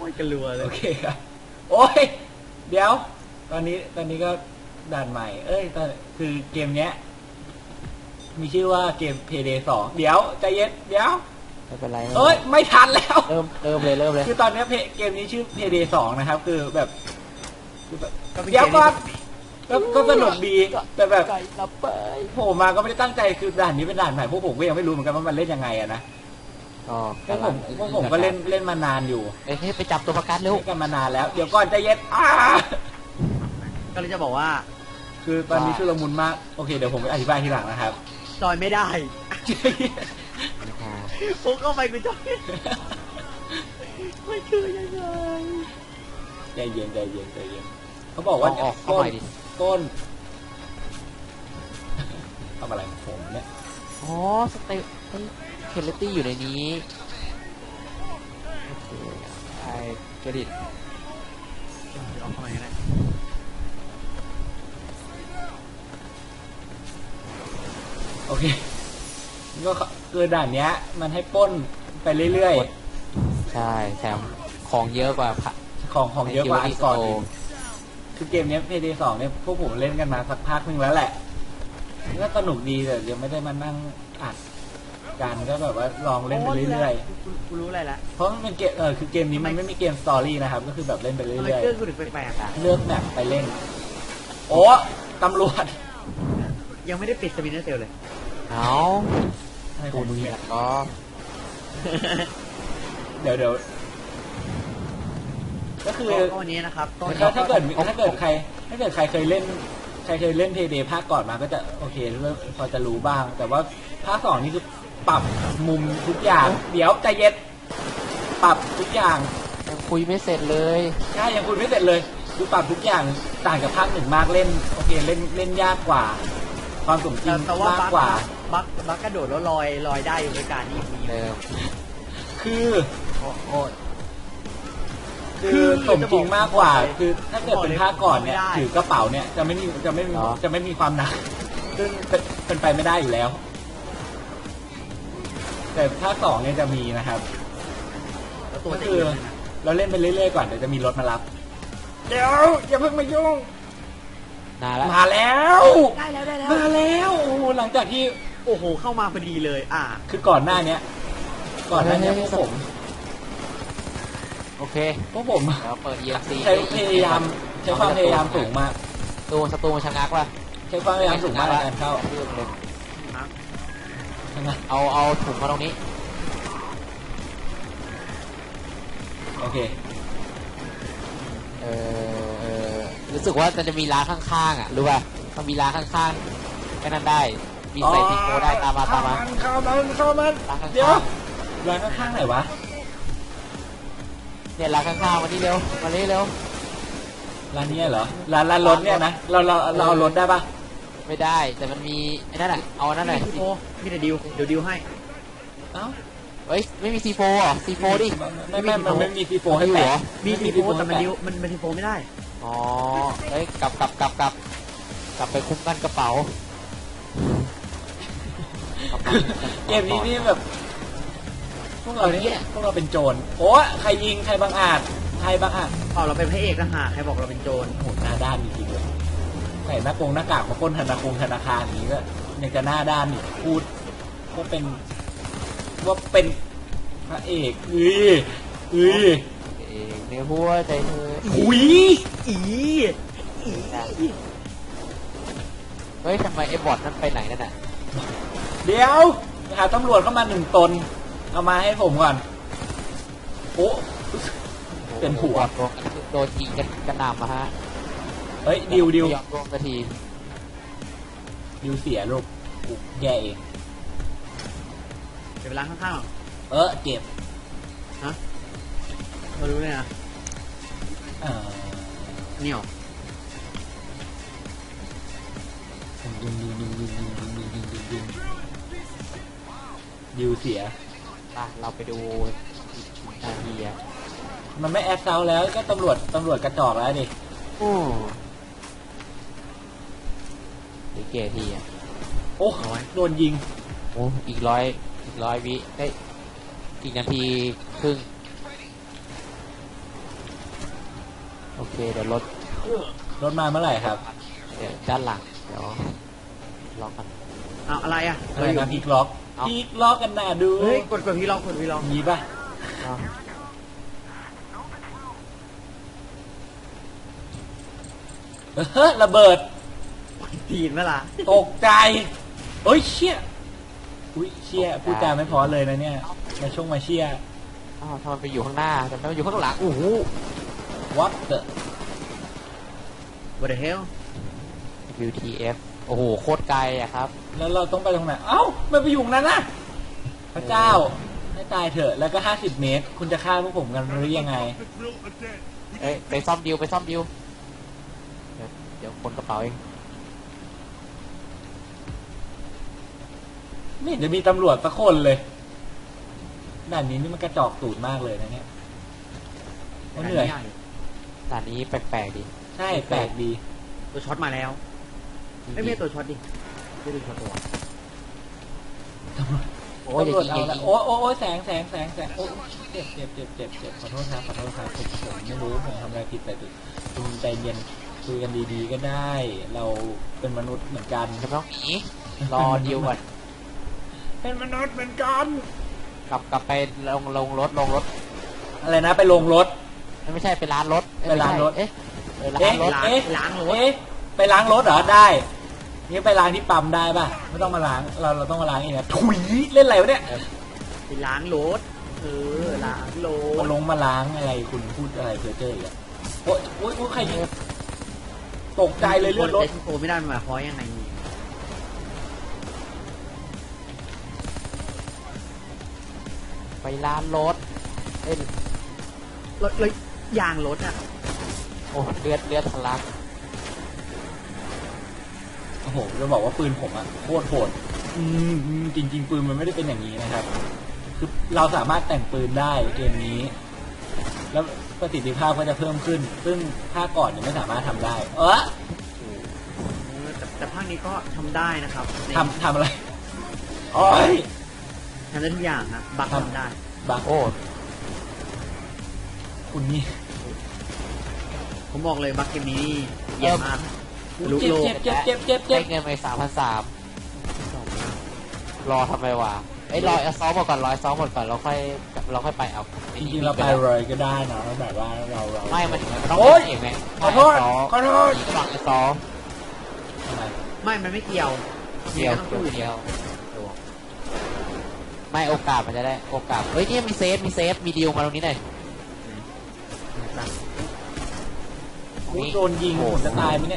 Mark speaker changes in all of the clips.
Speaker 1: ยกันรัวเลย
Speaker 2: โอเคครับโอ้ยเดี๋ยวตอนนี้ก็ด่านใหม่เอ้ยคือเกมเนี้ยมีชื่อว่าเกม Payday 2เดี๋ยวใจเย็นเดี๋ยว
Speaker 3: ไม่เป็นไร
Speaker 2: เอ้ยไม่ทันแล้ว
Speaker 3: เริ่มเลย
Speaker 2: คือตอนนี้เกมนี้ชื่อ Payday 2นะครับคือแบบเดี๋
Speaker 1: เดี๋
Speaker 2: ยวก่อนก็สนุกดีแต่แบบ
Speaker 3: ไก่ลับไป
Speaker 2: โผล่มาก็ไม่ได้ตั้งใจคือด่านนี้เป็นด่านใหม่พวกผมก็ยังไม่รู้เหมือนกันว่ามันเล่นยังไงอะนะพวกผมก็เล่นมานานอยู่
Speaker 3: เอ้ยไปจับตัวประกันเร็ว
Speaker 2: เล่นกันมานานแล้วเดี๋ยวก่อนใจเย็น
Speaker 1: ก็เลยจะบอกว่า
Speaker 2: คือตอนนี้ชุลมุนมากโอเคเดี๋ยวผมไปอธิบายทีหลังนะครับ
Speaker 1: จอยไม่ได้ผมเข้าไปกูจอยไม่คือยังไง
Speaker 2: ใจเย็นเขาบอกว่าต้นทำอะไรของผมเนี่ย
Speaker 3: อ๋อสเตปเคลตี้อยู่ในนี้โอเคไอ้กระดิษ
Speaker 1: เอาเข้ามาได้
Speaker 2: โอเคก็คือด่านเนี้ยมันให้ป้นไปเรื่อย
Speaker 3: ๆใช่แถมของเยอะกว่า
Speaker 2: ของเยอะกว่าอันก่อนคือเกมนี้ Payday 2เนี่ยพวกผมเล่นกันมาสักพักนึงแล้วแหละก็สนุกดีแต่ยังไม่ได้มานั่งอัดกันก็แบบว่าลองเล่นไปเรื่อย
Speaker 1: ๆกูรู้อะไรละ
Speaker 2: เพราะมันเป็นเกมคือเกมนี้มันไม่มีเกมสตอรี่นะครับก็คือแบบเล่นไปเรื่อยๆเลือกแมปไปเล่นโอ้ตำรวจ
Speaker 1: ยังไม่ได้ปิดสปินเนอร์เซลเลย
Speaker 3: เอา
Speaker 2: ตูนเนี่ย
Speaker 3: ก็
Speaker 2: เดี๋ยวก็คือ
Speaker 1: วันนี้นะครับ
Speaker 2: ถ้าเกิดใครเคยเล่นPayday ภาคก่อนมาก็จะโอเคเริ่มพอจะรู้บ้างแต่ว่าภาค2นี่คือปรับมุมทุกอย่างเดี๋ยวใจเย็นปรับทุกอย่าง
Speaker 3: ยังคุยไม่เสร็จเลย
Speaker 2: ใช่ยังคุยไม่เสร็จเลยคือปรับทุกอย่างต่างจากภาค1มากเล่นโอเคเล่นยากกว่าความสมจริงมากกว่า
Speaker 1: บักกระโดดแล้วลอยได้อยู่ในการนี้
Speaker 2: คือสมจริงมากกว่าคือถ้าเกิดเป็นภาคก่อนเนี่ยถือกระเป๋าเนี่ยจะไม่มีความหนักซึ่งเป็นไปไม่ได้อยู่แล้วแต่ภาค2เนี่ยจะมีนะครับก็คือเราเล่นไปเรื่อยๆก่อนเดี๋ยวจะมีรถมารับเดี๋ยวอย่าเพิ่งมายุ่งมาแล้ว
Speaker 1: ได้แล้ว
Speaker 2: โอ้หลังจากที่
Speaker 1: โอ้โหเข้ามาพอดีเลย
Speaker 2: คือก่อนหน้านี้พวกผม
Speaker 3: โอเค
Speaker 2: พวกผม
Speaker 3: แล้วเปิด EMC
Speaker 2: ใช้ความพยายามสูงมาก
Speaker 3: ศัตรูมันชะงักว่ะ
Speaker 2: ใช้ความพยายามสูงมากในการเข้า
Speaker 3: เอาถุงมาตรงนี้
Speaker 2: โอเค
Speaker 3: รู้สึกว่าจะมีร้านข้างๆรู้ป่ะมันมีร้านข้างๆแค่นั้นได้มีใส่ทิโก้ได้ตามมา
Speaker 2: เข้ามันเดี๋ยวร้านข้างๆไหนวะ
Speaker 3: เนี่ยร้านข้างๆมานี่เร็ว
Speaker 2: ร้านนี้เหรอร้านรถเนี่ยนะเราเอารถได้ปะ
Speaker 3: ไม่ได้แต่มันมีไอ้นั่นแหละเอานั่นแหละ
Speaker 1: มีแต่ดิวเดี๋ยวดิวให้
Speaker 3: เอ้าเฮ้ยไม่มีC4หรอC4ดิ
Speaker 2: มันไม่มีC4ให้แปะ
Speaker 1: มีC4แต่มันดิวมันC4ไม่ได้
Speaker 3: อ๋อเฮ้ยกลับไปคุ้มกันกระเป๋า
Speaker 2: เกมนี้นี่แบบพวกเราเป็นโจรโอ้ใครยิงใครบังอาจ
Speaker 1: เราเป็นพระเอกทหารใครบอกเราเป็นโจร
Speaker 2: โหหน้าด้านจริงๆเลยใส่หน้ากากมาปล้นธนาคารนี้ก็ยังจะหน้าด้านอีกพูดว่าเป็นพระเอก
Speaker 3: เนื้อหัวใจเธอเฮ้ยทำไมไอ้บอทนั้นไปไหนนั่นน่ะ
Speaker 2: เดี๋ยวหาตำรวจเข้ามา1 ตนเอามาให้ผมก่อนโอ้เป็นผัว
Speaker 3: โดนยิงกันนำมาฮะ
Speaker 2: เฮ้ยดิว
Speaker 3: รวมนาที
Speaker 2: ดิวเสียลูกแกเอง
Speaker 1: เก็บเวลาข้าง
Speaker 2: ๆเก็บ
Speaker 1: ฮะมาดูเลยนะนี่หรอ
Speaker 2: ดิวเสีย
Speaker 3: เราไปดูนาที
Speaker 2: มันไม่แอดเซาแล้วก็ตำรวจกระจอกแล้วดิ
Speaker 3: หรือเกที
Speaker 2: โอ้โดนยิง
Speaker 3: โอ้อีก100 วิได้อีกนาทีครึ่งอเคเดี๋ยวรถ
Speaker 2: รถมาเมื่อไหร่ครับ
Speaker 3: เดี๋ยวด้านหลังเดี๋ยวล็อกกัน
Speaker 1: เอาอะไรอ่ะ
Speaker 2: อะไรนะพีคล็อก
Speaker 3: เอา
Speaker 2: พีคล็อกกันน่ะดู
Speaker 1: เฮ้ยกดพี่ลองกดพี่ลอง
Speaker 2: มีป่ะ
Speaker 3: เอา
Speaker 2: เฮ้ยระเบิด
Speaker 1: ตีนเมื่อล่ะ
Speaker 2: ตกใจเอ้ยเชี่ยอุ้ยเชี่ยพูดจาไม่พอเลยนะเนี่ยมาช่วงมาเชี่ย
Speaker 3: อ้าวทำไมไปอยู่ข้างหน้าทำไมไปอยู่ข้างหลังโอ้โห
Speaker 2: what the
Speaker 1: What the hell
Speaker 3: WTF โอ้โหโคตรไกลอะครับ
Speaker 2: แล้วเราต้องไปตรงไหนเอ้าไม่ไปอยู่ตรงนั้นนะพระเจ้าให้ตายเถอะแล้วก็50 เมตร คุณจะฆ่าพวกผมกันหรือยังไง
Speaker 3: เอ้ยไปซ่อมดิวไปซ่อมดิวเดี๋ยวคนกระเป๋าเอง
Speaker 2: ไม่เห็นจะมีตำรวจสักคนเลยด่านนี้นี่มันกระจอกตูดมากเลยนะเนี่ยเหนื่อย
Speaker 3: ด่านนี้แปลกๆดี
Speaker 2: ใช่แปลกดี
Speaker 1: ตัวช็อตมาแล้วไม่ใช่ตัวช็อตดิไม่ใช่ตัวช็อตตัว
Speaker 3: โอ้ยอย่า
Speaker 2: ตำรวจ
Speaker 3: ยิง
Speaker 2: เอา
Speaker 3: อย่า
Speaker 2: ละ
Speaker 3: ยิง
Speaker 2: โอ้แสงโอ้เจ็บขอโทษครับผมไม่รู้ผมทำอะไรผิดไปคุณใจเย็นคุยกันดีๆก็ได้ เราเป็นมนุษย์เหมือนกัน
Speaker 3: จะไม่ต้องหนีรอดิวก่อน
Speaker 2: เป็นมนุษย์เหมือนกัน
Speaker 3: กลับไปลงรถ
Speaker 2: อะไรนะไปลงรถ
Speaker 3: ไม่ใช่ไปร้านรถ
Speaker 2: ไปร้านรถ
Speaker 3: เอ๊ะร้านรถ
Speaker 1: ล้างรถ
Speaker 2: เอ๊ะไปล้างรถเหรอได้นี่ไปล้างที่ปั๊มได้ป่ะไม่ต้องมาล้างเราต้องมาล้างเองนะถุยเล่นอะไรวะเนี่ย
Speaker 1: ไปล้างรถล้างร
Speaker 2: มา
Speaker 1: ถ
Speaker 2: ลงมาล้างอะไรคุณพูดอะไรเพอเจออีกอะโอ๊ยใครยิงตกใจเลยเลือดรถ
Speaker 1: เจสโกไม่ได้มันหมายความยังไง
Speaker 3: ไปร้านรถเอ้ย
Speaker 1: รถเลยยางรถอ่ะ
Speaker 3: โอ้เลือดทะลัก
Speaker 2: โอ้โหจะบอกว่าปืนผมอะโคตรโหดจริงๆปืนมันไม่ได้เป็นอย่างนี้นะครับคือเราสามารถแต่งปืนได้เกมนี้ แล้วประสิทธิภาพก็จะเพิ่มขึ้น ซึ่งภาคก่อนยังไม่สามารถทำได้
Speaker 1: แต่ภาคนี้ก็ทำได้นะครับ
Speaker 2: ทำอะไรโอ้ย
Speaker 1: ทำได้ทุกอย่างนะบักทำได้
Speaker 2: บัก
Speaker 3: โอ้
Speaker 2: คุณนี่
Speaker 1: ผมบอกเลยบักเกมนี้เยี่ยมมากลุกโลก
Speaker 2: เจ็บ
Speaker 3: ได้เงินไป3,300รอทำไมวะรอซ้อมหมดก่อนเราค่อยไปเอา
Speaker 2: จริงๆเราไปเลยก็ได้นะแบบว่าเรา
Speaker 3: ไม่มันต้อง
Speaker 2: โอ๊ย
Speaker 3: เองไหม
Speaker 2: ขอโทษ
Speaker 3: ระหว่างซ้อม
Speaker 2: ทำไม
Speaker 1: ไม่มันไม่เกี่ยว
Speaker 3: เดียวไม่โอกาสมันจะได้โอกาสเฮ้ยนี่มีเซฟมีดีลมาตรงนี้หน่อย
Speaker 2: โดนยิงผมจะตายไหมเนี่ย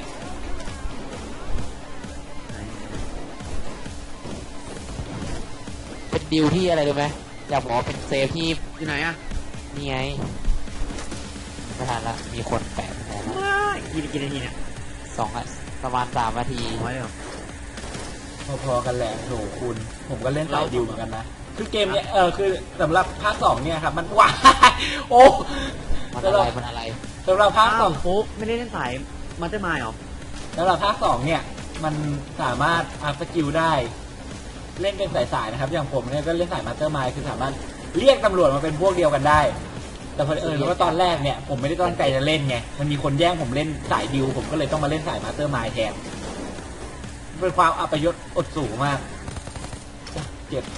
Speaker 3: เป็นดีลที่อะไรรู้ไหมอยากบอกว่าเป็นเซฟที่
Speaker 1: อยู่ไหนอ่ะ
Speaker 3: นี่ไงไม่ทันละมีคนแปะแล้ว
Speaker 1: กี่นาทีเนี่ย
Speaker 3: ประมาณ3 นาที
Speaker 1: น้อยเลยเหรอ
Speaker 2: พอๆกันแหละโหคุณผมก็เล่นสายดิวเหมือนกันนะคือเกมเนี้ยคือสำหรับภาค2เนี่ยครับมันว้าโอ้
Speaker 3: มันอะไร
Speaker 2: สำหรับภาค
Speaker 1: อ้าวโป๊ไม่ได้เล่นสายมันจะมาเหรอ
Speaker 2: 2สำหรับภาค2เนี่ยมันสามารถอัพสกิลได้ เล่นเป็นสายๆนะครับอย่างผมเนี่ยก็เล่นสายมาสเตอร์มายคือสามารถเรียกตำรวจมาเป็นพวกเดียวกันได้ แต่พอรู้ว่าตอนแรกเนี่ยผมไม่ได้ตั้งใจจะเล่นไงมันมีคนแย่งผมเล่นสายดิวผมก็เลยต้องมาเล่นสายมาสเตอร์มายแทนเป็นความอัปยศอดสูงมากเจ็บ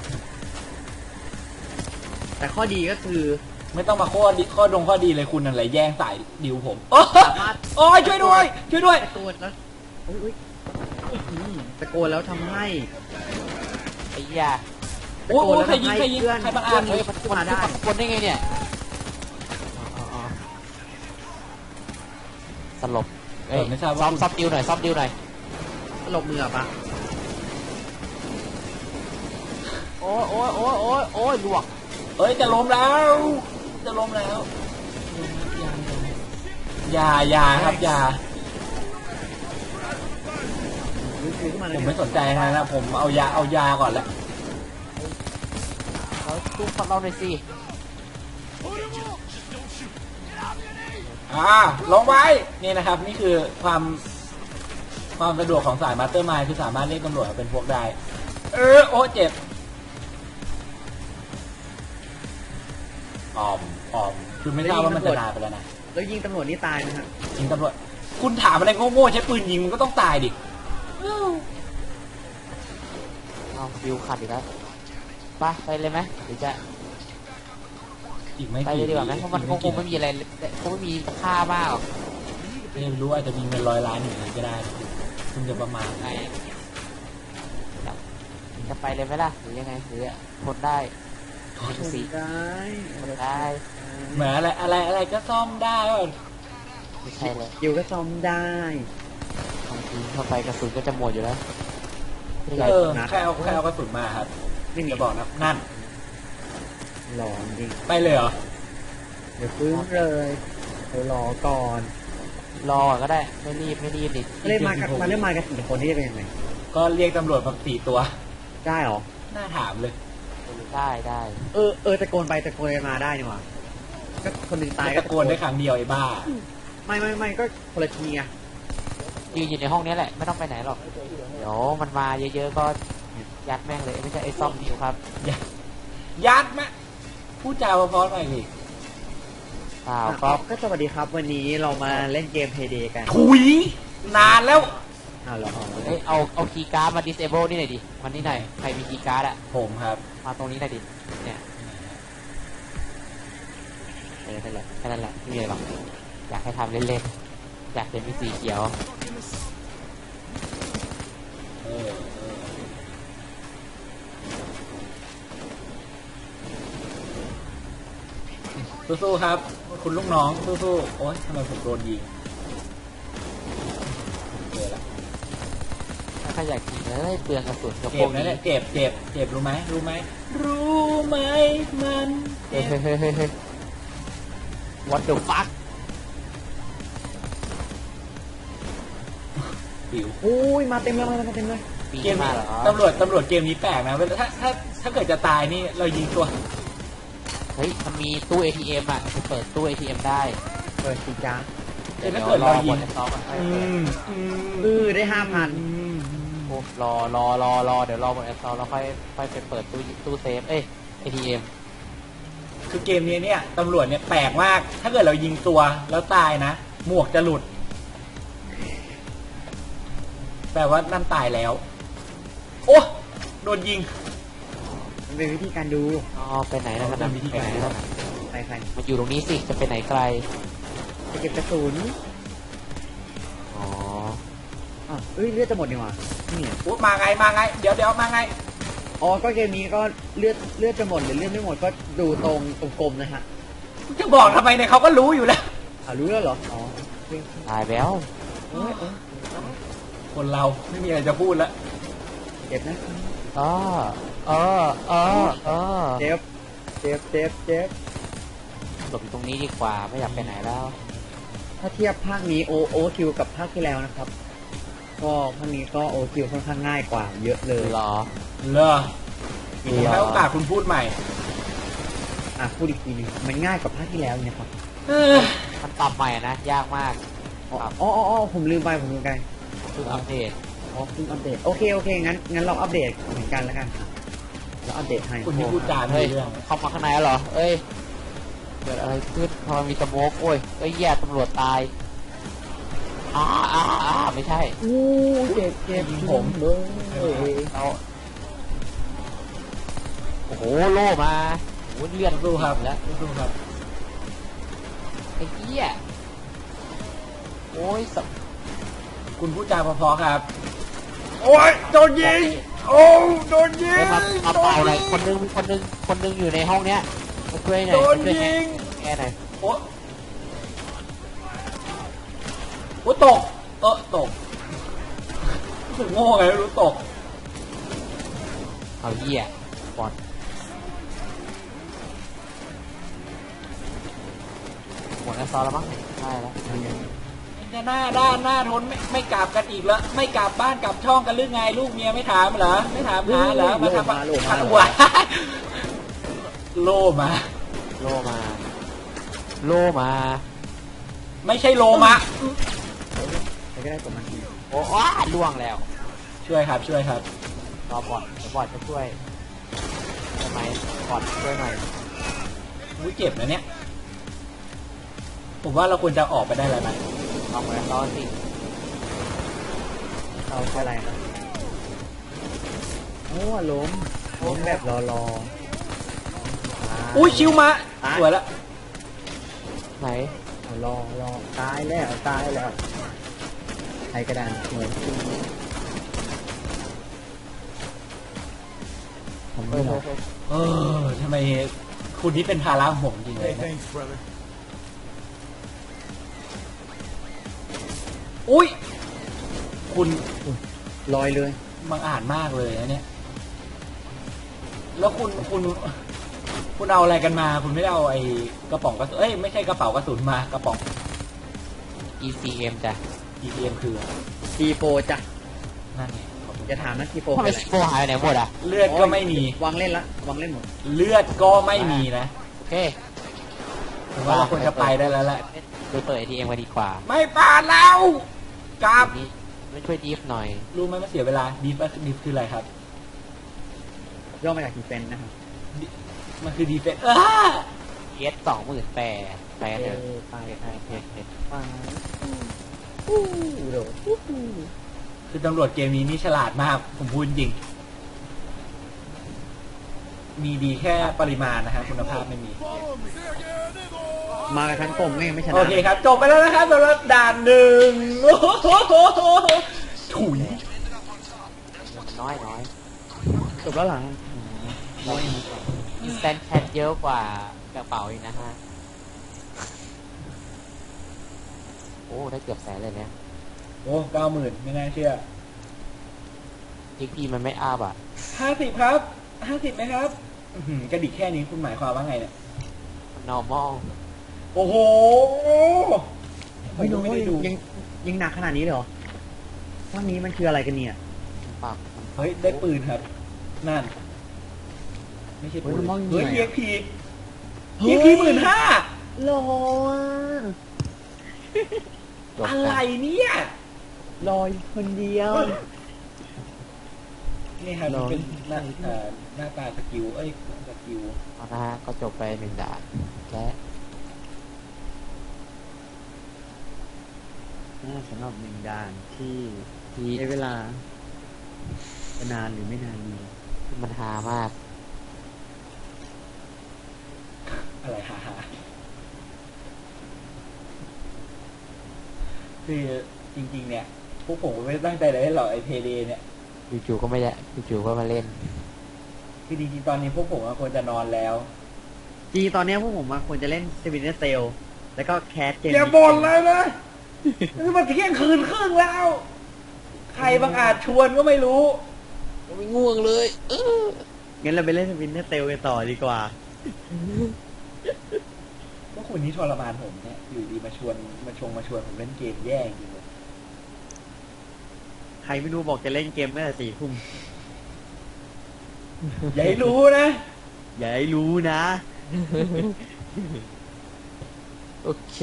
Speaker 1: แต่ข้อดีก็คือ
Speaker 2: ไม่ต้องมาข้อดีเลยคุณอะไรแย่งสายดิวผม
Speaker 1: สามารถ
Speaker 2: โอ้ยช่วยด้วย
Speaker 1: ตะโกนแล้วตะโกนแล้วทำให้
Speaker 3: ไอ้ยา
Speaker 2: โอ้โหใครยิงใครบังอาจ
Speaker 3: เฮ้ยมันขึ้นมาคนได้ไงเนี่ยสลบเอ้ย
Speaker 2: ไม่ทราบ
Speaker 3: ซ้อ
Speaker 2: ว่าม
Speaker 3: ดิวหน่อย
Speaker 1: หลบมือปะ
Speaker 3: โอ้ยลวก
Speaker 2: เอ้ยจะล้มแล้วอย่าครับอย่าผมไม่สนใจนะผมเอายาก่อนแล้ว
Speaker 3: เขาตู้ฟังเราหน่อยสิ
Speaker 2: ลงไว้นี่นะครับนี่คือความสะดวกของสายมาสเตอร์มายคือสามารถเรียกตำรวจมาเป็นพวกได้โอ้เจ็บคือไม่ทราบว่ามันจะนานไปแล้วนะ
Speaker 1: แล้วยิงตำรวจนี่ตายนะฮะ
Speaker 2: ยิงตำรวจคุณถามอะไรโง่ๆใช้ปืนยิงมันก็ต้องตายดิ
Speaker 3: เอาวิวขัดอีกแล้วไปเลยไหมหรือจะ
Speaker 2: อีกไม่
Speaker 3: ไปเลยดีกว่าไหมเพราะมันคงไม่มีอะไรคงไม่มีค่ามากหรอก
Speaker 2: ไม่รู้อาจจะมีเงิน100 ล้านอยู่นี้ก็ได้คุณจะประมาณ
Speaker 3: ไงจะไปเลยไหมล่ะหรือยังไงหรือทนได้ทนสี
Speaker 1: ได้
Speaker 3: ทนได้
Speaker 2: เหมือนอะไรก็ซ่อมได้ว่ะ
Speaker 3: ไม่ใช่เลย
Speaker 1: อยู่ก็ซ่อมได้
Speaker 3: บางทีเข้าไปกระสุนก็จะหมดอยู่แล้ว
Speaker 2: ใครเอากระสุนมาครับ
Speaker 1: ไม่มี
Speaker 2: จะบอกนะนั่น
Speaker 1: หลอนจริง
Speaker 2: ไปเลยเหรอ
Speaker 1: เดี๋ยวฟื้นเลยเดี๋ยวรอก่อน
Speaker 3: รอก็ได้ไม่รีบดิ
Speaker 1: เล่นมาเล่นมากัน4 คนนี่จะเป็นยังไง
Speaker 2: ก็เรียกตำรวจมา4 ตัว
Speaker 1: ได้เหรอ
Speaker 2: น่าถามเลย
Speaker 3: ได้
Speaker 1: ตะโกนไปตะโกนมาได้นี่หว่าก็คนหนึ่งตาย
Speaker 2: ตะโกนได้ครั้งเดียวไอ้บ้า
Speaker 1: ไม่ก็คนละทีไง
Speaker 3: ยืนอยู่ในห้องนี้แหละไม่ต้องไปไหนหรอกเดี๋ยวมันมาเยอะๆก็ยัดแม่งเลยไม่ใช่ไอ้ซ่อมดิวครับ
Speaker 2: ยัดไหมพูดจาเพราะๆหน่อยดิ
Speaker 3: เปล่า
Speaker 1: ก็สวัสดีครับวันนี้เรามาเล่นเกม Payday กัน
Speaker 2: ถุยนานแล้ว
Speaker 1: อ้าวเหรอ
Speaker 3: เอาคีย์การ์ดมา disable นี่หน่อยดิมันนี่หน่อยใครมีคีย์การ์ดอะ
Speaker 2: ผมครับ
Speaker 3: มาตรงนี้หน่อยดิเนี่ยนั่นแหละแค่นั้นแหละไม่มีอะไรหรอกอยากให้ทำเล่นๆอยากเห็นมีสีเขียว
Speaker 2: เออสู้ๆครับ คุณลูกน้องสู้ๆโอ๊ยทำไมผมโดนยิงเจอละ
Speaker 3: ถ้าอยากกินเลยเปลืองกระสุนกับพ
Speaker 2: เจ็
Speaker 3: ว
Speaker 2: บ
Speaker 3: ก
Speaker 2: นะ
Speaker 3: นี้
Speaker 2: เนี่ยเจ็บรู้ไหมมันเจ็บ
Speaker 3: เฮ้ย what the fuck
Speaker 2: หิว
Speaker 1: อุ้ยมาเต็มเลยมาเต็มเลย
Speaker 3: ปี
Speaker 2: เกม
Speaker 3: มา
Speaker 2: นี้
Speaker 3: เหรอ
Speaker 2: ตำรวจเกมนี้แปลกนะเวลาถ้าเกิดจะตายนี่เรายิงตัว
Speaker 3: เฮ้ยมันมีตู้ ATM อ่ะจะเปิดตู้ ATM ได้
Speaker 1: เปิดสิจ้า
Speaker 2: เอ้ยถ้าเกิดเรายิง
Speaker 3: หมดซ้อมอ่ะ
Speaker 1: ได้ 5,000
Speaker 3: โอ้รอเดี๋ยวรอหมดแอสซอลแล้วค่อยไปเปิดตู้เซฟATM
Speaker 2: คือเกมนี้เนี่ยตำรวจเนี่ยแปลกมาก ถ้าเกิดเรายิงตัวแล้วตายนะหมวกจะหลุดแปลว่านั่นตายแล้ว โอ้โดนยิง
Speaker 1: มันเป็นวิธีการดู
Speaker 3: อ๋อไปไหนนะ
Speaker 2: เป็นวิธีการ
Speaker 1: ใคร
Speaker 3: มาอยู่ตรงนี้สิจะไปไหนไกล
Speaker 1: จะเก็บกระสุน
Speaker 3: อ๋อ
Speaker 1: เลือดจะหมดนี่หว่านี่
Speaker 2: อุ๊ยมาไงเดี๋ยวมาไง
Speaker 1: อ๋อก็เกมนี้ก็เลือดจะหมดหรือเลือดไม่หมดก็ดูตรงกลมๆนะฮะ
Speaker 2: จะบอกทำไมเนี่ยเขาก็รู้อยู่แล้ว
Speaker 1: รู้แล้วเหรออ๋อ
Speaker 3: ตายแล้ว
Speaker 2: คนเราไม่มีอะไรจะพูดแล้ว
Speaker 1: เจ็บนะ
Speaker 3: อ๋อ
Speaker 1: เจ็บ
Speaker 3: หลบอยู่ตรงนี้ดีกว่าไม่อยากไปไหนแล้ว
Speaker 1: ถ้าเทียบภาคนี้โอคิวกับภาคที่แล้วนะครับก็ภาคนี้ก็โอคิวค่อนข้างง่ายกว่าเยอะเลย
Speaker 3: หรอ
Speaker 2: เลอผมให้โอกาสคุณพูดใหม่
Speaker 1: พูดอีกทีหนึงมันง่ายกว่าภาคที่แล้วนี่นะครับ
Speaker 3: มันปรับใหม่นะยากมาก
Speaker 1: อ๋อผมลืมไปเ
Speaker 3: คืออัปเดต
Speaker 1: เพิ่งอัปเดตโอเคงั้นเราอัปเดตเหมือนกันแล้วกันครับเราอัปเดตให้
Speaker 2: คุณที่พูดจาไม่
Speaker 3: เฮ้ย
Speaker 2: รู้เรื่อง
Speaker 3: เข้ามาข้างในแล้วเหรอเอ้ยเกิดอะไรขึ้นทำไมมีสโมกโอ้ยแย่ตำรวจตายไม่ใช่
Speaker 1: เจ็บผมเลย
Speaker 3: เราโอ้โหโล่มาโอ้โหเลือด
Speaker 2: สู้ครับ
Speaker 3: แล้ว
Speaker 2: สู้ครับ
Speaker 3: ไอ้เหี้ยโอ้ย
Speaker 2: คุณพูดจาเพอๆครับ โอ้ยโดนยิงโดนยิง
Speaker 3: มาเป่าหน่อยคนนึงอยู่ในห้องเนี้ยมาช่วยหน่อย
Speaker 2: โดน
Speaker 3: มาช่วย
Speaker 2: ยิง
Speaker 3: แกหน่อย
Speaker 2: โอ้ตกตกรู้สึกโง่ไงไม่รู้ตก
Speaker 3: เอาเหี้ยบอลหมดแล้วซอแล้วมั้งได้แล้ว
Speaker 2: จะหน้าทนไม่กลับกันอีกแล้วไม่กลับบ้านกลับช่องกันหรือไงลูกเมียไม่ถามเหรอไม่ถามหาเหรอมาทำขัดหัวโล่มา
Speaker 3: โล่มา
Speaker 2: ไม่ใช่โลมา
Speaker 1: ใครก็ได้กดมันที
Speaker 3: โอ้ล่วงแล้ว
Speaker 2: ช่วยครับ
Speaker 3: รอบอดเดี๋ยวบอดจะช่วยทำไมบอดช่วยหน่อย
Speaker 2: อุ้ยเจ็บนะเนี่ยผมว่าเราควรจะออกไปได้แล้วนะ
Speaker 3: เอาเหมือนตอนสิ
Speaker 1: เราใช่อะไรครับโอ้ล้มแบบรอ
Speaker 2: อุ้ยชิวมาสวยละ
Speaker 3: ไหน
Speaker 1: รอตายแล้วใครกระดานเหมือนคุณผม
Speaker 3: เอ
Speaker 1: ไม่
Speaker 3: อ
Speaker 1: หรอก
Speaker 2: ทำไมคุณนี่เป็นภาระของผมจริงเลยนะ
Speaker 4: Thanks, brother.
Speaker 2: อุ้ยคุณ
Speaker 1: ลอยเลย
Speaker 2: บังอาจมากเลยนะเนี่ยแล้วคุณเอาอะไรกันมา คุณไม่ได้เอาไอ้กระป๋องกระสุนไม่ใช่กระเป๋ากระสุนมากระป๋อง
Speaker 3: ECM จ้ะ
Speaker 2: EPM คือ
Speaker 1: T4 จ้ะ
Speaker 2: นั่นไงขอบคุณ
Speaker 1: จะถามนะ T4
Speaker 3: ทำไม
Speaker 1: เป็นอะไร
Speaker 3: ซิโฟหายไปไหนหมดอ่ะ
Speaker 2: เลือดก็ไม่มี
Speaker 1: วางเล่นละวางเล่นหมด
Speaker 2: เลือดก็ไม่มีนะ
Speaker 3: โอเค
Speaker 2: ผมว่าเราควรจะไปได้แล้วแหละ
Speaker 3: ไปเปิด ATM กันดีกว่า
Speaker 2: ไม่ปาดแล้วกราบ
Speaker 3: นี่ไม่ช่วยดีฟหน่อย
Speaker 2: รู้ไหมมันเสียเวลาดีฟคืออะไรครับ
Speaker 1: ย่อมาจากดีเฟนนะครับ
Speaker 2: มันคือดีเฟน
Speaker 3: เอส20,000แปดเถอะ
Speaker 1: ไป
Speaker 3: เฮ้ย
Speaker 1: ไปอู้โดด
Speaker 2: คือตำรวจเกมนี้นี่ฉลาดมากผมพูดจริง มีดีแค่ปริมาณนะฮะคุณภาพไม่มี
Speaker 4: Follow me.
Speaker 1: มากับทั้งกลมไม่ชนะ
Speaker 2: โอเคครับ จบไปแล้วนะครับสำหรับด่านหนึ่งโอ้โหถุย
Speaker 3: น้อย
Speaker 1: จบแล้วหลัง
Speaker 3: อินสแตนแคทเยอะกว่ากระเป๋าอีกนะฮะ โอ้ได้เกือบแสนเลยเนี่ย
Speaker 2: โอ้90,000ไม่น่าเชื่อ
Speaker 3: XP มันไม่อัพอ่ะ
Speaker 2: 50ครับ50ไหมครับอื้อหือกระดิกแค่นี้คุณหมายความว่าไงเนี่ย
Speaker 3: normal
Speaker 2: โอ้โห
Speaker 1: ไม่รู้
Speaker 2: ไม่ได้ดู
Speaker 1: ยังหนักขนาดนี้เลยเหรอว่านี้มันคืออะไรกันเนี่ย
Speaker 3: ปาก
Speaker 2: เฮ้ย ได้ปืนครับ นั่น ไม่ใช่ปืนเฮ้ย EXP EXP 15,000
Speaker 1: โล
Speaker 3: จบ
Speaker 2: อะไร
Speaker 3: กัน
Speaker 2: เนี่ย
Speaker 1: ลอยคนเดียว
Speaker 2: นี่ครับ
Speaker 1: ลอง
Speaker 2: เป็นหน้าตาสกิลสกิล
Speaker 3: เอานะฮะก็จบไป1 ด่านและ
Speaker 1: สำหรับหนึ่งด่านที่
Speaker 3: ที่
Speaker 1: ใช้เวลาจะนานหรือไม่นานดี
Speaker 3: มันหามาก
Speaker 2: อะไรฮาคือจริง ๆ เนี่ย พวกผมก็ไม่ได้ตั้งใจเลยหรอกไอเพเดเนี่ย
Speaker 3: จู่ๆก็ไม่ได้จู่ๆก็มาเล่น
Speaker 2: คือจริงๆตอนนี้พวกผมก็ควรจะนอนแล้ว
Speaker 1: จริงๆตอนเนี้ยพวกผมควรจะเล่นสปินเนอร์เซลแล้วก็แคสเกม
Speaker 2: อย่าบ่นเลยนะนี่มันเที่ยงคืนครึ่งแล้ว ใครบางอาจชวนก็ไม่รู้
Speaker 3: ไม่ง่วงเลย
Speaker 1: งั้นเราไปเล่นสปินเนอร์เซลกันต่อดีกว่า
Speaker 2: พวกคุณนี่ทรมานผมเนี่ยอยู่ดีมาชวนผมเล่นเกมแย่จริงเลย
Speaker 1: ใครไม่รู้บอกจะเล่นเกมตั้งแต่4 ทุ่ม
Speaker 2: อย่าให้รู้นะ
Speaker 1: อย่าให้รู้นะ
Speaker 3: โอเค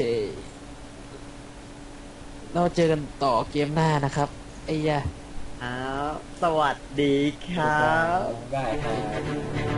Speaker 3: เราเจอกันต่อเกมหน้านะครับไอ้ยะ
Speaker 1: อ้าวสวัสดีครับ
Speaker 2: ได้ครับ